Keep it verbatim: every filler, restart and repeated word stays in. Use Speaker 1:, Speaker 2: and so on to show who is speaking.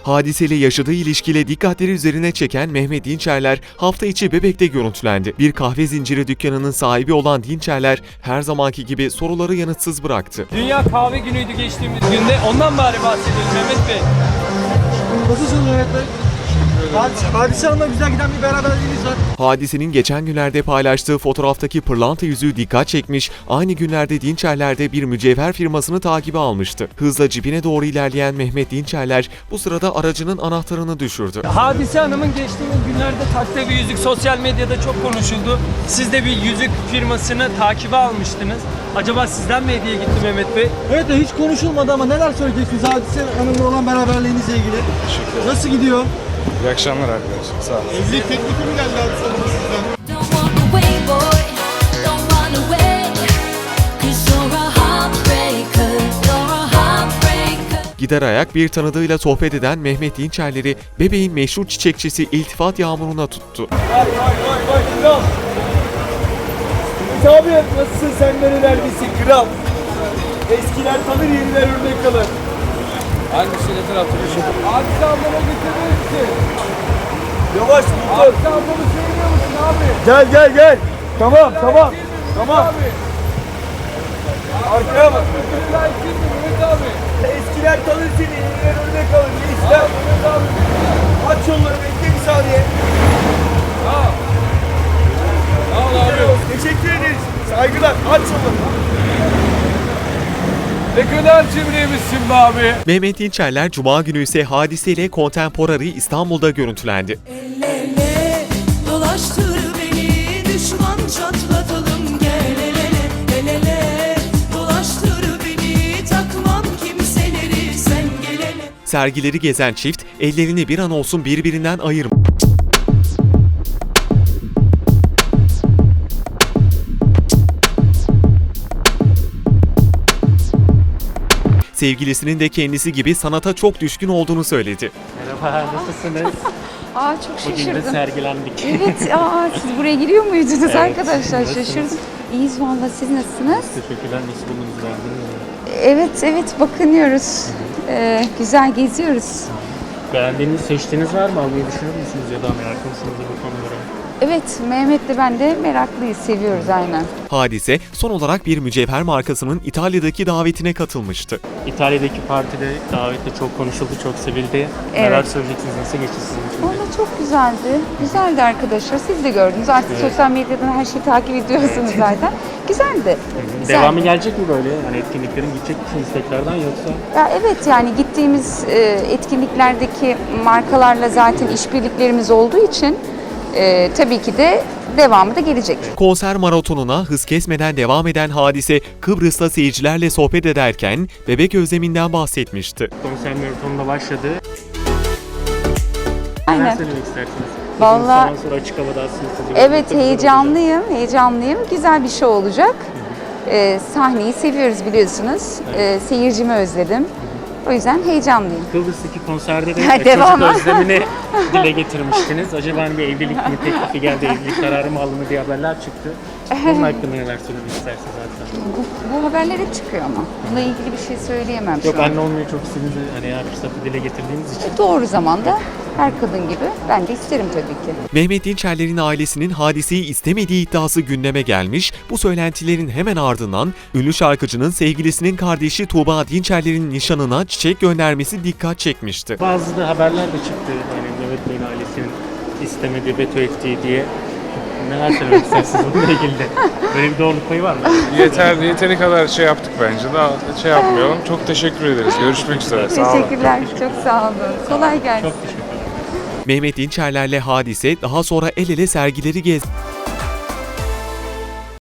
Speaker 1: Hadise ile yaşadığı ilişkiyle dikkatleri üzerine çeken Mehmet Dinçerler hafta içi Bebek'te görüntülendi. Bir kahve zinciri dükkanının sahibi olan Dinçerler her zamanki gibi soruları yanıtsız bıraktı.
Speaker 2: Dünya kahve günüydü geçtiğimiz günde. Ondan bari bahsedelim Mehmet Bey.
Speaker 3: Nasılsınız Mehmet Bey? Hadise, Hadise Hanım'la güzel giden bir beraberliğiniz var.
Speaker 1: Hadise'nin geçen günlerde paylaştığı fotoğraftaki pırlanta yüzüğü dikkat çekmiş, aynı günlerde Dinçerler de bir mücevher firmasını takibe almıştı. Hızla cibine doğru ilerleyen Mehmet Dinçerler bu sırada aracının anahtarını düşürdü.
Speaker 2: Hadise Hanım'ın geçtiğimiz günlerde taktığı bir yüzük sosyal medyada çok konuşuldu. Siz de bir yüzük firmasını takibe almıştınız. Acaba sizden mi hediye gitti Mehmet Bey?
Speaker 3: Evet de hiç konuşulmadı ama neler söyleyeceksiniz Hadise Hanım'la olan beraberliğinizle ilgili? Nasıl gidiyor?
Speaker 4: İyi akşamlar arkadaşlar. Sağ olun.
Speaker 3: Evlilik teklifi mi geldi Hadise Hanım'a sizden?
Speaker 5: Don't walk away, boy. Don't run away. 'Cause you're a heartbreaker. You're a heartbreaker.
Speaker 1: Gider ayak bir tanıdığıyla sohbet eden Mehmet Dinçerler'i Bebeğin meşhur çiçekçisi iltifat yağmuruna tuttu.
Speaker 2: Vay vay vay vay kral. Ümit abi nasılsın, sen nerelerdesin kral? Eskiler tanır, yeniler örnek kalır. Hangisi ne tarafta bir şey? Hadise ablama getirir misin? Yavaş dur. Hadise ablamı seviyor musun abi? Gel gel gel. Tamam tamam. Tamam. Arkaya bak. Mehmet abi. Eskiler tanır seni, yeniler örnek kalır. Ne ister? Mehmet abi. Aç yolları, bekle bir saniye. Tamam. Sağ ol abi. Teşekkür ederiz. Saygılar. Aç yolları. Ne kadar cimriymişsin be abi.
Speaker 1: Mehmet Dinçerler Cuma günü ise Hadise ile Contemporary İstanbul'da görüntülendi.
Speaker 6: El ele dolaştır beni, düşman çatlatalım, gel el ele, el ele dolaştır beni, takmam kimseleri, sen gel ele.
Speaker 1: Sergileri gezen çift ellerini bir an olsun birbirinden ayırmadı. Sevgilisinin de kendisi gibi sanata çok düşkün olduğunu söyledi.
Speaker 7: Merhaba, nasılsınız?
Speaker 8: Aa çok
Speaker 7: Bugün de
Speaker 8: şaşırdım.
Speaker 7: sergilendik.
Speaker 8: Evet, aa siz buraya giriyor muydunuz
Speaker 7: Evet,
Speaker 8: arkadaşlar?
Speaker 7: nasılsınız?
Speaker 8: Şaşırdım. İyiyiz valla, siz nasılsınız?
Speaker 7: Teşekkürler, nasıl buldunuz, beğendiniz mi?
Speaker 8: Evet, evet bakınıyoruz. Ee, güzel geziyoruz.
Speaker 7: Beğendiğiniz, seçtiğiniz var mı? Almayı düşünür müsünüz ya da meraklı mısınız bu konulara?
Speaker 8: Evet, Mehmet'le ben de meraklıyız, seviyoruz aynen.
Speaker 1: Hadise son olarak bir mücevher markasının İtalya'daki davetine katılmıştı.
Speaker 7: İtalya'daki partide davette çok konuşuldu, çok sevildi. Neler
Speaker 8: Evet.
Speaker 7: söyleyeceksiniz, nasıl geçti sizin için? de?
Speaker 8: Valla çok güzeldi. Güzeldi arkadaşlar. Siz de gördünüz. Artık
Speaker 7: Evet.
Speaker 8: sosyal medyadan her şeyi takip ediyorsunuz zaten. Güzeldi. Güzeldi.
Speaker 7: Devamı gelecek mi böyle? Hani etkinliklerin gidecek misiniz tekrardan yoksa?
Speaker 8: Ya evet, yani gittiğimiz e, etkinliklerdeki markalarla zaten işbirliklerimiz olduğu için e, tabii ki de devamı da gelecek.
Speaker 1: Konser maratonuna hız kesmeden devam eden Hadise, Kıbrıs'ta seyircilerle sohbet ederken bebek özleminden bahsetmişti.
Speaker 7: Konser maratonunda başladı.
Speaker 8: Aynen.
Speaker 7: Neler söylemek istersiniz?
Speaker 8: Vallahi-
Speaker 7: Uzun zaman sonra açık havada aslında sizi
Speaker 8: Evet,
Speaker 7: görmek de güzel olacak.
Speaker 8: heyecanlıyım, heyecanlıyım. Güzel bir şey olacak. Ee, sahneyi seviyoruz biliyorsunuz. Ee, seyircimi özledim. O yüzden heyecanlıyım.
Speaker 7: Kıbrıs'taki konserde de
Speaker 8: Ha,
Speaker 7: çocuk
Speaker 8: devamı.
Speaker 7: özlemini dile getirmiştiniz. Acaba hani bir evlilik mi teklifi geldi, evlilik kararı mı alındı diye haberler çıktı. Bunun hakkında neler söylemek istersiniz zaten?
Speaker 8: Bu, bu haberler hep çıkıyor ama. Bununla ilgili bir şey söyleyemem
Speaker 7: Yok,
Speaker 8: şu an.
Speaker 7: anne olmayı çok istediğinizi hani her fırsatı dile getirdiğiniz için.
Speaker 8: Doğru zamanda her kadın gibi ben de isterim tabii ki.
Speaker 1: Mehmet Dinçerler'in ailesinin Hadise'yi istemediği iddiası gündeme gelmiş, bu söylentilerin hemen ardından ünlü şarkıcının sevgilisinin kardeşi Tuğba Dinçerler'in nişanına çiçek göndermesi dikkat çekmişti.
Speaker 7: Bazı da haberler de çıktı. Hani Mehmet Bey'in ailesinin istemediği, veto ettiği diye. Neler söylemek istersiniz bununla ilgili de? Böyle bir doğruluk payı var mı?
Speaker 4: Yeter, yeteri kadar şey yaptık bence. Daha şey yapmayalım. Çok teşekkür ederiz. Görüşmek üzere. Sağ olun.
Speaker 8: Teşekkürler, çok sağ olun. Kolay gelsin.
Speaker 7: Çok teşekkür ederim.
Speaker 1: Mehmet Dinçerler'le Hadise daha sonra el ele sergileri gezdi.